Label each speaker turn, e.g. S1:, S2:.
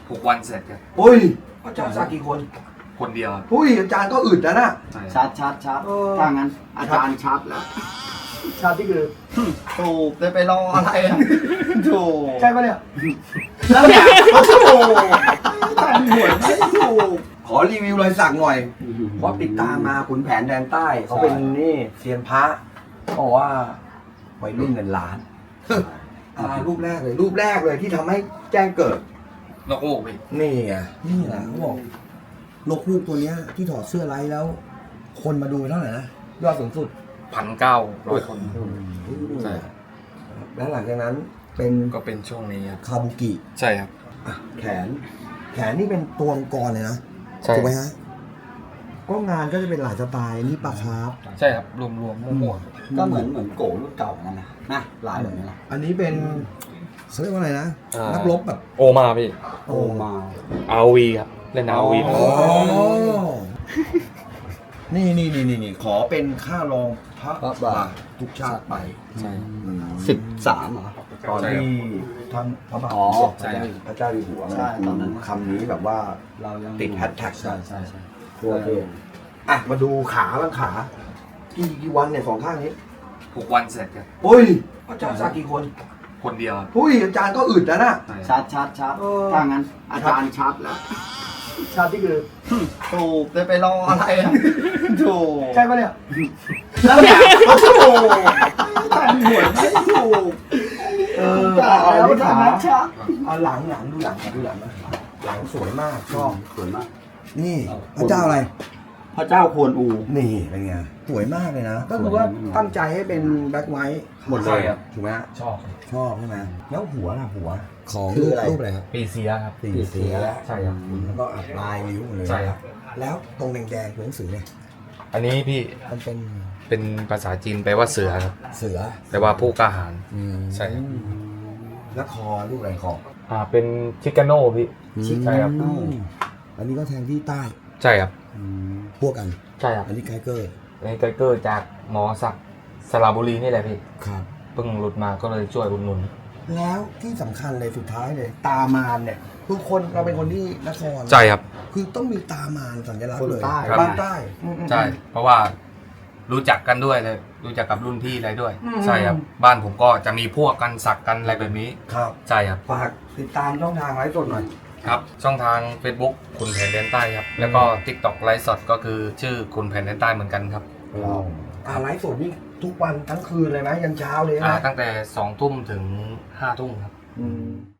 S1: 6 วันเสร็จครับ
S2: อุ้ยอาจารย์สักกี่คน
S1: คนเดียวครับ
S2: อุ้ยอาจารย์ก็อึดแล้วนะ
S1: ใช่
S3: ชัดถ้างั้นอาจารย์ชัดแล้ว
S2: ชาติที่คือ
S3: ถูกจะไปรออะไรอ่ะถูก
S2: ใช่ปะเนี่ย
S3: แล้วเนี่ยถูกแต่หวยไม่ถูก
S2: ขอรีวิวรอยสักหน่อยเพราะติดตามมาขุนแผนแดนใต้เขาเป็นนี่เซียนพระบอกว่าวัยรุ่นเงินล้านรูปแรกเลยที่ทำให้แจ้งเกิด
S1: นกฮูกพี่
S2: นี่ไงนี่แหละเขาบอกนกฮูกตัวเนี้ยที่ถอดเสื้อไลฟ์แล้ว คนมาดูเท่าไหร่นะยอดสูงสุด
S1: 1,900 คน ใช่
S2: แล้วหลังจากนั้นเป็น
S1: ก็เป็นช่วงนี้ครับ
S2: คาบุกิ
S1: ใช่ครับ
S2: อ่ะแขนนี่เป็นตัวมังกรเลยนะ
S1: ใช่
S2: ถูกไหมฮะก็งานก็จะเป็นหลายสไตล์นี่ปลาคาร์ฟ
S1: ใช่ครับรวมมั่ว
S3: ก็เหมือนโกรุ่นเก่านั่นนะลายแบบนี้นะ
S2: อันนี้เป็นเขาเรียกว่าอะไรนะนักรบแบบ
S1: โอมาพี่
S3: โอมา
S1: RV ครับเล่น RV
S2: อ๋อนี่ขอเป็นค่ารองพระบาททุกชาติไป
S1: ใช่
S3: 13เหรอ
S2: ตอนที่ท่านพระบาท
S3: อ๋อ
S2: ใช่พระเจ้าอยู่หัว
S3: ใช่ตอนนั้น
S2: คำนี้แบบว่า
S3: เรายัง
S2: ติดแฮชแท็ก
S3: ใช่
S2: ทั่วประเทศอ่ะมาดูขาบ้างขากี่วันเนี่ยสองข้างนี้
S1: 6 วันเสร็จครับ
S2: อุ้ยอาจารย์สักกี่คน
S1: คนเดียวครับ
S2: อุ้ยอาจารย์ก็อึดแล้วนะ
S1: ใช่
S3: ชัดถ้างั้นอาจารย์ชัดแล้ว
S2: ชาติที่คือ
S3: ถูกจะไปรออะไรอ่ะถูก
S2: ใช่ปะเนี่ย
S3: แล้วเนี่ยถูกแต่หวยไม่ถูก
S2: แล้ว
S3: ถ้างั้นชัด
S2: เอาหลังดูหลังนะหลังสวยมากชอบ
S3: สวยมาก
S2: นี่พระเจ้าอะไร
S3: พระเจ้าควรอู
S2: นี่เป็นไงสวยมากเลยนะ ก็คือว่าตั้งใจให้เป็นแบ็คไวท์หมดเลยถูกไหม
S1: ชอบ
S2: ชอบใช่ไหมแล้วหัวของ
S3: คืออะไร
S2: รูปอะไรครับ
S1: ปีเสียครับ
S2: สีเสีย
S1: ใช่ครับ
S2: แล้วก็อัดลายนิ้วหมดเลย
S1: ใช่ครับ
S2: แล้วตรงแดงๆตัวหนังสือเนี่ย
S1: อันนี้พี่
S2: มันเป็น
S1: เป็นภาษาจีนแปลว่าเสือครับ
S2: เสือ
S1: แปลว่าผู้กล้าหาญ ใช่ครับ
S2: แล้วคอรูปอะไรคอ
S1: เป็นชิคาโน่พี่ ใช่ครับ
S2: อันนี้ก็แทงที่ใต้
S1: ใช่ครับ
S2: พวกกัน
S1: ใช่ครับ
S2: อันนี้ไกเกอร์
S1: อันนี้ไกเกอร์จากหมอศักดิ์สระบุรีนี่แหละพี่
S2: ครับ
S1: เพิ่งหลุดมาก็เลยช่วยอุดหนุน
S2: แล้วที่สำคัญเลยสุดท้ายเลย ตามานเนี่ยคือคนเราเป็นคนที่นคร
S1: ใช่ครับ
S2: คือต้องมีตามานสัญลักษ
S3: ค
S2: ณ์
S3: น
S2: เลย
S3: ใต้
S1: ครับ
S2: บ้านใต้
S1: ใช่ เพราะว่ารู้จักกันด้วยเลย รู้จักกับรุ่นพี่อะไรด้วย ใช่ครับ บ้านผมก็จะมีพวกกันสักกันอะไรแบบนี้
S2: ครับ
S1: ใช่ครับ
S2: ฝากติดตามช่องทางไลฟ์สดหน่อย
S1: ครับ ช่องทาง Facebook คุณแผนแดนใต้ครับ แล้วก็ TikTok ไลฟ์สดก็คือชื่อคุณแผนแดนใต้เหมือนกันครับ
S2: ไลฟ์สดนี่ทุกวันทั้งคืนเลยไหมยันเช้าเลยไหม
S1: ตั้งแต่2 ทุ่มถึง5 ทุ่มครับ
S2: อืม